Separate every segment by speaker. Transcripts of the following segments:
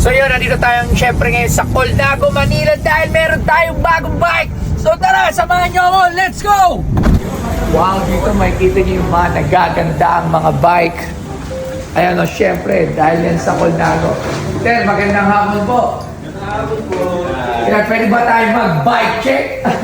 Speaker 1: So yun, nandito tayong syempre ngayon sa Colnago, Manila dahil meron tayong bagong bike. So tara, samahan nyo ako, let's go! Wow, dito makikita nyo yung mga nagaganda ang mga bike. Ayan o, syempre, dahil yan sa Colnago. Ted, magandang hapon po. Pwede ba tayo mag-bike check?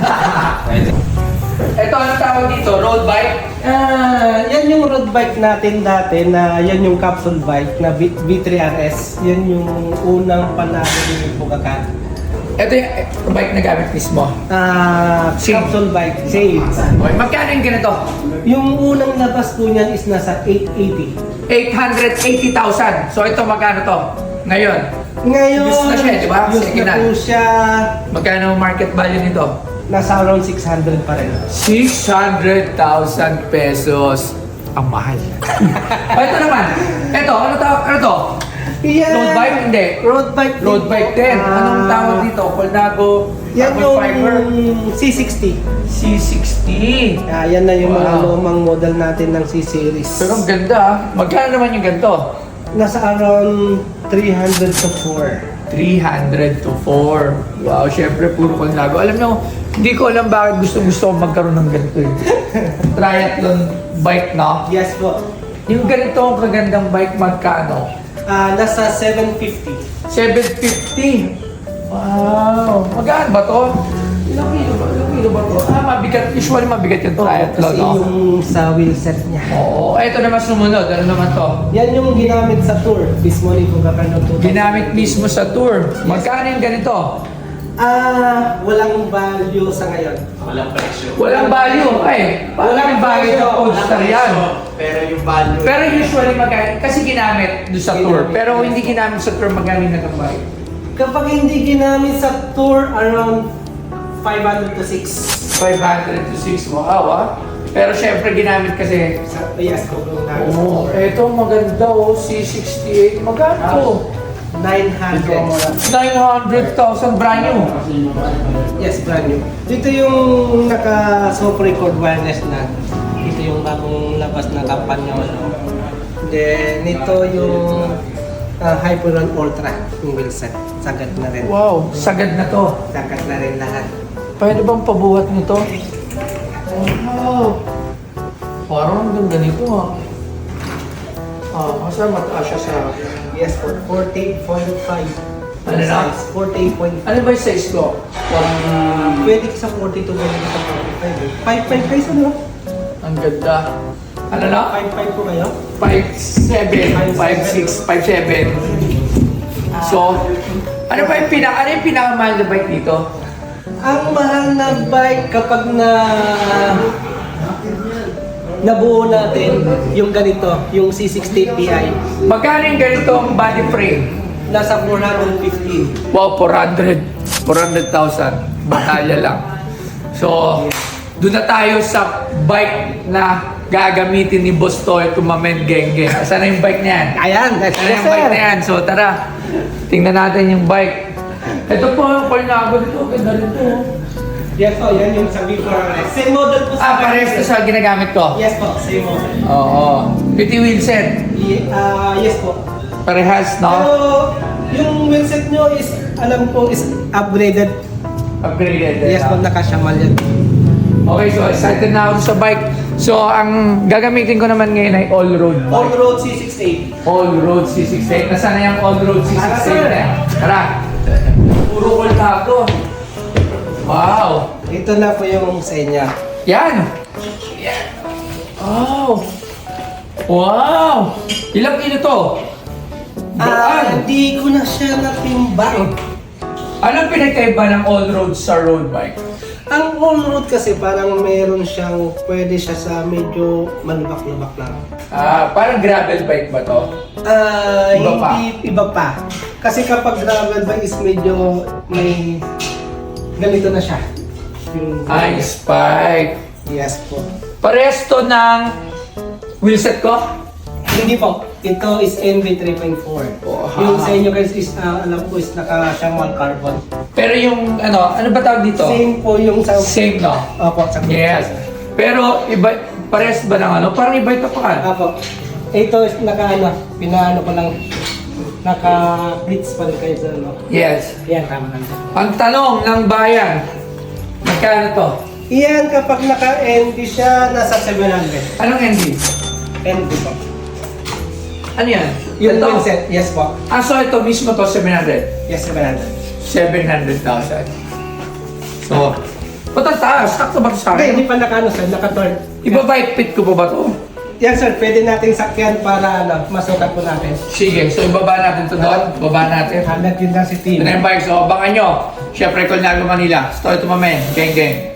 Speaker 1: Ito, ano tawag dito? Road bike?
Speaker 2: Yan yung road bike natin dati na yan yung capsule bike na V3RS. Yan yung unang panalo ni Bugatan.
Speaker 1: Ito yung bike na gamit mismo.
Speaker 2: Capsule bike, same.
Speaker 1: Okay, magkano yung ganito?
Speaker 2: Yung unang labas po niyan is nasa 880.
Speaker 1: 880,000. So ito magkano to? Ngayon?
Speaker 2: Ngayon,
Speaker 1: Use na siya, di ba?
Speaker 2: use
Speaker 1: Sige
Speaker 2: na
Speaker 1: na.
Speaker 2: po siya.
Speaker 1: Magkano ang market value nito?
Speaker 2: Nasa around 600 pa rin.
Speaker 1: 600,000 pesos. Ang mahal. Ito naman. Ito, ano to?
Speaker 2: Yeah.
Speaker 1: Road bike? Hindi.
Speaker 2: Road bike din.
Speaker 1: Road bike din. Anong tawag dito? Colnago
Speaker 2: Yan
Speaker 1: carbon
Speaker 2: yung
Speaker 1: fiber?
Speaker 2: C60.
Speaker 1: C60.
Speaker 2: Yan na yung mga
Speaker 1: Wow.
Speaker 2: lumang model natin ng C-Series.
Speaker 1: Pero ang ganda ah. Magkano naman yung ganito?
Speaker 2: Nasa around 300 to 4.
Speaker 1: 300 to 4. Wow, syempre puro Colnago. Alam nyo, hindi ko alam bakit gusto ko magkaroon ng ganito eh. Triathlon bike, no?
Speaker 2: Yes po.
Speaker 1: Yung ganito ang kagandang bike, magkano?
Speaker 2: Nasa 750.
Speaker 1: 750. Wow. Magkano ba to? Ilang kilo ba to? Mabigat. Usually mabigat yung triathlon,
Speaker 2: Kasi
Speaker 1: no?
Speaker 2: yung sa wheelset niya.
Speaker 1: Oo. Ito naman sumunod. Ano naman to?
Speaker 2: Yan yung ginamit sa tour. Mismo ni Bugatan to.
Speaker 1: Ginamit mismo sa tour. Magkano yung ganito?
Speaker 2: Walang value sa ngayon.
Speaker 1: Walang value. Ay, walang value sa Polestar yan.
Speaker 3: Pero yung value.
Speaker 1: Pero usually magkano? Kasi ginamit doon sa tour. Pero hindi ginamit sa tour, magkano na ng bike?
Speaker 2: Kapag hindi ginamit sa tour, around 500 to 6.
Speaker 1: 500 to 6. Wow, ah. Pero syempre ginamit kasi.
Speaker 2: Yes, kung
Speaker 1: Oo, eto maganda oh, C68. Magkano to?
Speaker 2: 900.
Speaker 1: 900,000 brand new.
Speaker 2: Yes, brand new. Dito yung naka-soft record wireless na. Ito yung bagong labas na kampanya. Then, ito yung Hyperon Ultra, yung wheelset. Sagad na rin.
Speaker 1: Wow, sagad na to.
Speaker 2: Sagad na rin lahat.
Speaker 1: Pwede bang pabuhat nito? Wow. Parang ang ganda nito ah. Kasi mataas siya sa...
Speaker 2: Yes, for 48.5.
Speaker 1: Ano na?
Speaker 2: Size, 48.5.
Speaker 1: Ano ba yung size ko?
Speaker 2: Pwede sa 42, pwede sa 45. 5.5 kayo sa ano?
Speaker 1: Ang ganda. Ano na?
Speaker 2: 5.5 po kayo?
Speaker 1: 5'7", 5'6", 5'7". So, ano yung pinakamahal na bike dito?
Speaker 2: Ang mahal na bike kapag nabuo natin yung ganito, yung C60 Ti,
Speaker 1: Magkano yung ganitong body frame?
Speaker 2: nasa 415.
Speaker 1: Wow, 400,000. Batalya lang. So, doon na tayo sa bike na gagamitin ni Boss Toy Tumamen Genge. Saan na yung bike niyan?
Speaker 2: Ayan,
Speaker 1: Saan na yung bike na yan? So, tara. Tingnan natin yung bike. Ito po, yung Colnago dito. Ganda rin to.
Speaker 2: Yes po, yan yung sa V4RS. Same model po sa
Speaker 1: Parehas to sa ginagamit ko.
Speaker 2: Yes po, same model.
Speaker 1: Oo. Piti wheelset.
Speaker 2: Yes po.
Speaker 1: Parehas,
Speaker 2: Pero
Speaker 1: no?
Speaker 2: yung wheelset nyo is, alam ko, is upgraded.
Speaker 1: Upgraded.
Speaker 2: Yes po, nakasyamal yan.
Speaker 1: Okay, so excited na ako sa bike. So, ang gagamitin ko naman ngayon ay all-road bike.
Speaker 2: All-road C68.
Speaker 1: All-road C68. Nasaan na yung all-road C68 na yan? Tara. Puro Colnago. Wow.
Speaker 2: Ito na po yung sa inyo.
Speaker 1: Yan. Wow. Wow. Ilang kilo to? Baan?
Speaker 2: Hindi ko na siya natimbang.
Speaker 1: Anong pinagkaiba ng all-road sa road bike?
Speaker 2: Ang all-road kasi parang meron siyang, pwede siya sa medyo malubak-lubak lang.
Speaker 1: Parang gravel bike ba to? Iba pa?
Speaker 2: Hindi, iba pa. Kasi kapag gravel bike is medyo may ganito na siya. Yung
Speaker 1: Spike.
Speaker 2: Yes po.
Speaker 1: Parehas to ng wheelset ko?
Speaker 2: Hindi po. Ito is NV 3.4.
Speaker 1: Oh,
Speaker 2: Yung sa inyo guys is, alam ko is naka-siyang carbon.
Speaker 1: Pero yung ano ba tawag dito?
Speaker 2: Same po yung sa...
Speaker 1: Same, no?
Speaker 2: Opo, sa
Speaker 1: Yes. Pero iba, parehas ba ng ano? Parang iba ito pa.
Speaker 2: Opo. Ito is pinaano ko lang Naka-blitz pa rin kayo sir, no?
Speaker 1: Yes.
Speaker 2: Yan, tama lang sir.
Speaker 1: Ang tanong ng bayan, magkano to?
Speaker 2: Iyan kapag naka-ND siya, nasa 700.
Speaker 1: Anong ND?
Speaker 2: ND po.
Speaker 1: Ano yan?
Speaker 2: Yung
Speaker 1: Ito?
Speaker 2: windset, yes po.
Speaker 1: So ito mismo to 700.
Speaker 2: Yes, 700.
Speaker 1: 700,000. So, patataas. Sakto ba ito sa
Speaker 2: Okay, hindi
Speaker 1: akin?
Speaker 2: pa naka-ano sir, naka-turn.
Speaker 1: Iba-bike fit ko pa ba to?
Speaker 2: Yan sir, pwede nating sakyan para masukat po natin.
Speaker 1: Sige, so ibaba natin to doon. Baba natin.
Speaker 2: Halat yun lang si
Speaker 1: Ito
Speaker 2: team.
Speaker 1: na yung bike. So, abangan nyo. Siyempre, Colnago, Manila. Story to my man. Gang, gang.